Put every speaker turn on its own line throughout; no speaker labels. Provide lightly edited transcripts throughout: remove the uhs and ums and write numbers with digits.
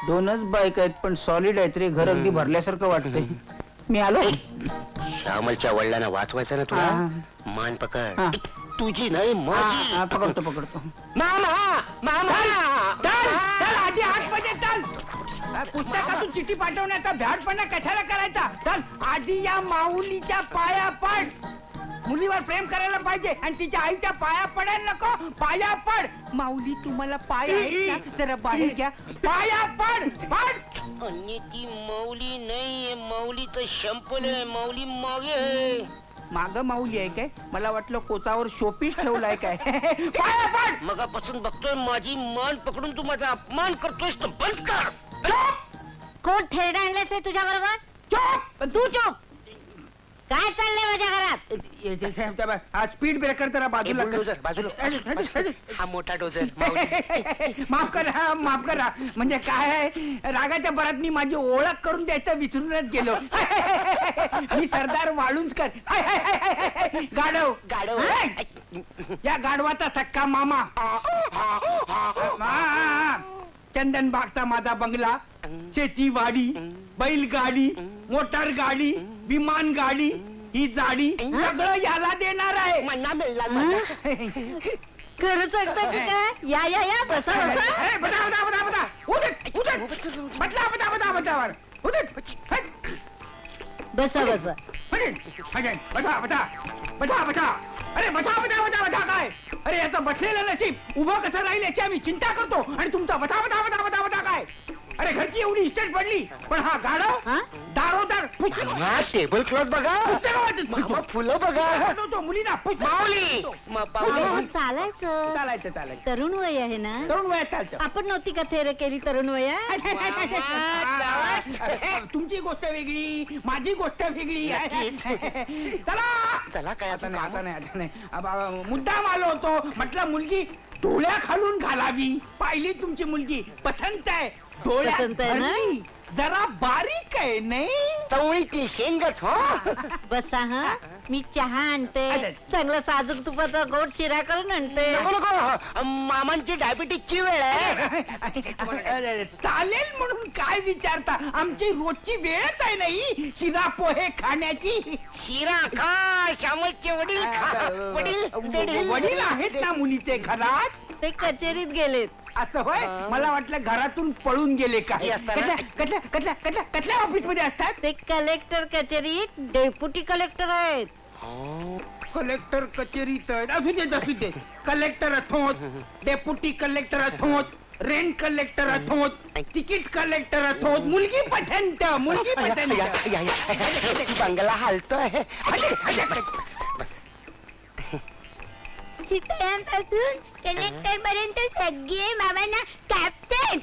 दोनच बाईक आहेत पण सॉलिड आहेत रे. घर अगदी भरल्यासारखं वाटतंय. मी आलो.
श्यामलच्या वडिलांना वाचवायचं ना तुला. मान पकड.
हा.
तुझी नाही माझी.
पकडतो पकडतो.
मामा मामा
चल आधी आतमध्ये चल. पुस्तकातून चिठी पाठवण्याचा भ्याडपणा कशाला करायचा. चल आधी या माऊलीच्या पाया पड. मुलीवर प्रेम करायला पाहिजे आणि तिच्या आईच्या पाया पडायला नको. पाया पड. माऊली तुम्हाला पाय आहेत ना? जरा बाहेर घ्या. पाया पड पड.
आणि ती माऊली नाही, माऊलीचं शंपल आहे. माऊली मागे आहे.
माग माऊली आहे काय? मला वाटलं कोचावर शोपीस ठेवलाय काय. पाया पड.
मगापासून बघतोय माझी मान पकडून तू माझा अपमान करतोयस तर बंद कर.
कोण ठेरडा आणलास रे तुझ्या बरोबर?
चोप.
तू चोप. काय चाललंय माझ्या घरात?
स्पीड ब्रेकर जरा बाजूला
बुलडोझर, बाजूला. हा मोठा डोझर.
माफ करा माफ करा. म्हणजे काय आहे, रागाच्या भरात मी माझी ओळख करून द्यायचं विसरूनच गेलो. मी सरदार वाळुंजकर. गाढव
गाढव.
या गाढवाचा सक्का मामा. चंदन बागचा माझा बंगला, शेतीवाडी, बैलगाडी, मोटार गाडी, विमान गाडी, ही जाडी सगळं याला देणार आहे.
मन्ना मिळला.
खरं सांगता की काय? या या या बसा बसा.
बता बता बता बता. उदट उदट. बदला बता बता बता. उदट.
बसा बसा.
बता बता बता बता. अरे बता बता बता बता काय. अरे याचा बसलेलं नशीब उभं कसं राहील याची आम्ही चिंता करतो आणि तुमचा बता बता बता बता बता काय. अरे घरची एवढी इस्टेट पडली पण हा गाढव दारोदार
टेबल क्लॉथ बघा. फुलं बघा.
मुलीना
माऊली.
चालायचं.
चालायचं चालायचं.
तरुण वय आहे ना?
तरुण वयात चालतं.
आपण नव्हती का थेर केली तरुण वया?
तुमची गोष्ट वेगळी, माझी गोष्ट वेगळी. चला
चला काय
आता नाही आता नाही आता नाही. मुद्दाम आलो होतो. म्हटलं मुलगी डोळ्या खालून घालावी. पाहिली तुमची मुलगी पसंत आहे. डोळ्या
पसंत आहे ना?
जरा बारीक आहे नाही.
चवळीतली शेंगच. हो
बसा हा. मी चहा आणते. चांगला साजूक तुपाचा गोड शिरा करून आणते.
नको नको. मामांची डायबिटीसची वेळ आहे.
चालेल म्हणून काय विचारता. आमची रोजची वेळच आहे नाही शिरा पोहे खाण्याची.
शिरा खा. श्यामलचे वडील खा.
वडील आहेत ना मुलीचे घरात?
ते कचेरीत गेलेत.
असं होय. मला वाटलं घरातून पळून गेले काय. कसल्या ऑफिस मध्ये असतात?
ते कलेक्टर कचेरीत डेप्युटी कलेक्टर आहेत.
कलेक्टर कचेरीत आहेत. असू देत असू देत. कलेक्टर अथोत, डेप्युटी कलेक्टर अथोत, रेंट कलेक्टर अथोत, तिकीट कलेक्टर अथोत. मुलगी पठंत. मुलगी पठंत.
बंगला हालतोय.
शिकण्यापासून कलेक्टर पर्यंत सगळे मामांना कॅप्टन.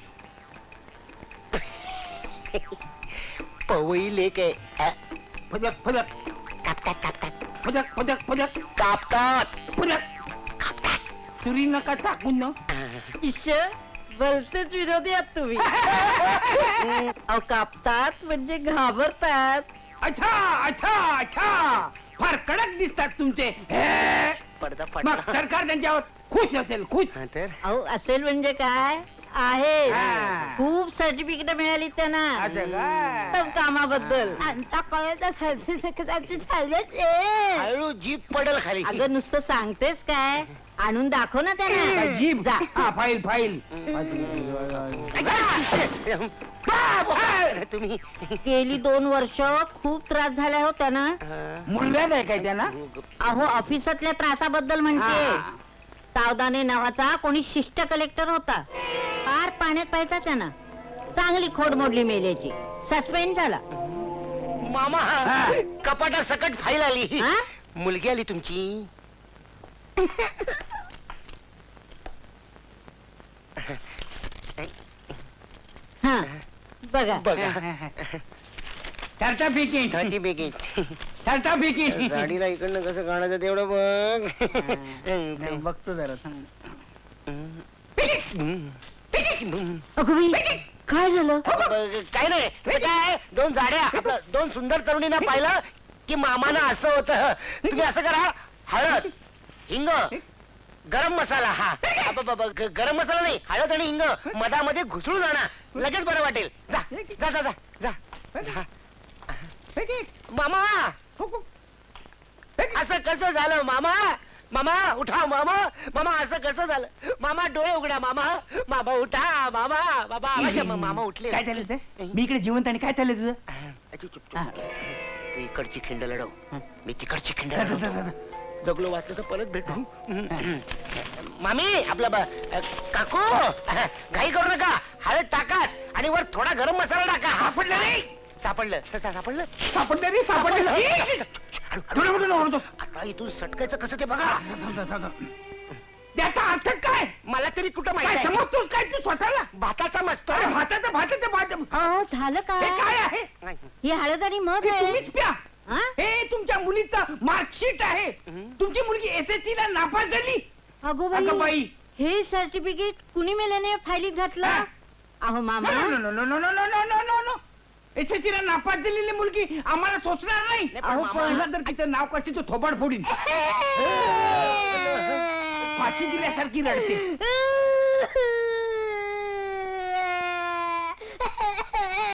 पवई लेक आहे.
फदक फदक
कापतात कापतात
फदक फदक फदक
कापतात.
फदक. तुरी नका टाकून ना.
ईश्वर भलतेच विरोधी आहात तुम्ही. अहो कापतात म्हणजे घाबरतात.
अच्छा अच्छा अच्छा. फार कडक दिसतात तुमचे.
पडदा
मग
पडदा.
सरकार त्यांच्यावर खुश असेल. खुश.
तर
अहो असेल म्हणजे काय आहे.
हा.
खूप सर्टिफिकेट मिळाली त्यांना
असं का?
सब कामाबद्दल. आता कळत
हळू जीप पडल खाली.
अगं नुसतं सांगतेस काय. आणून दाखव ना त्यांना.
जीप
जा.
File file.
तुम्ही
गेली 2 वर्ष खूप त्रास झाला हो त्यांना.
मुलगा आहे काय त्यांना?
अहो ऑफिसातल्या त्रासाबद्दल म्हणते. तावदाने नावाचा कोणी शिष्ट कलेक्टर होता. फार पाण्यात पाहायचा त्यांना. चांगली खोड मोडली मेल्याची. सस्पेंड झाला.
मामा कपाटा सकट फाईल आली.
हा?
मुलगी आली तुमची.
हा बघा.
बघा.
सर्टिफिकेट.
सर्टिफिकेट.
सर्टिफिकेट.
गाडीला इकडनं कसं काढायचं तेवढं बघ.
बघतो जरा.
अगं बाई, काय झालं?
काय नाही. काय 2 जाड्या आपलं 2 सुंदर तरुणींना पाहिलं की मामानं असं होतं. तुम्ही असं करा. हळद, हिंग, गरम मसाला हा गरम मसाला नाही, हळद आणि हिंग मधामध्ये घुसळून आणा, लगेच बरं वाटेल. जा जा जा जा जा. मामा असं कसं झालं मामा? मामा उठा मामा, मामा असं कसं झालं? मामा डोळे उघडा मामा, मामा उठा मामा, बाबा मामा उठले.
काय झालं ते? मी इकडे जिवंत आणि काय झालं तुझं?
तू इकडची खिंड लढव, मी तिकडची खिंड लढवतो. जगलो वाचलं तर परत भेटू. मामी आपला काकू घाई करू नका, हळद टाकाच आणि वर थोडा गरम मसाला टाका.
सापडलं रे,
सापडलं सापडलं
सापडलं रे, सापडलं.
आता इथून सटकायचं कसं ते बघा.
त्याचा अर्थ काय
मला तरी कुठं
काय
माहिती
समजतोस काय तू स्वतःला?
भाताचा मस्त.
अरे भाताचं भाताचं भात
अहो झालं
हे
काय?
काय आहे?
ही हळद आणि मध
हे
आहे.
तुम्हीच प्या.
हा?
हे तुमच्या मुलीचं मार्कशीट आहे. तुमची मुलगी SSC ला नापास झाली.
अगो
अगं
बाई,
बाई,
हे सर्टिफिकेट कुणी मेल्याने फायलीत घातलं?
हा?
अहो मामा,
नो SSC ला नापास झालेली मुलगी आम्हाला सोचणार नाही.
अहो, पण-
पहिला जर तिचं नाव करते तो थोबाड फोडीन. फाशी दिल्यासारखी रडते.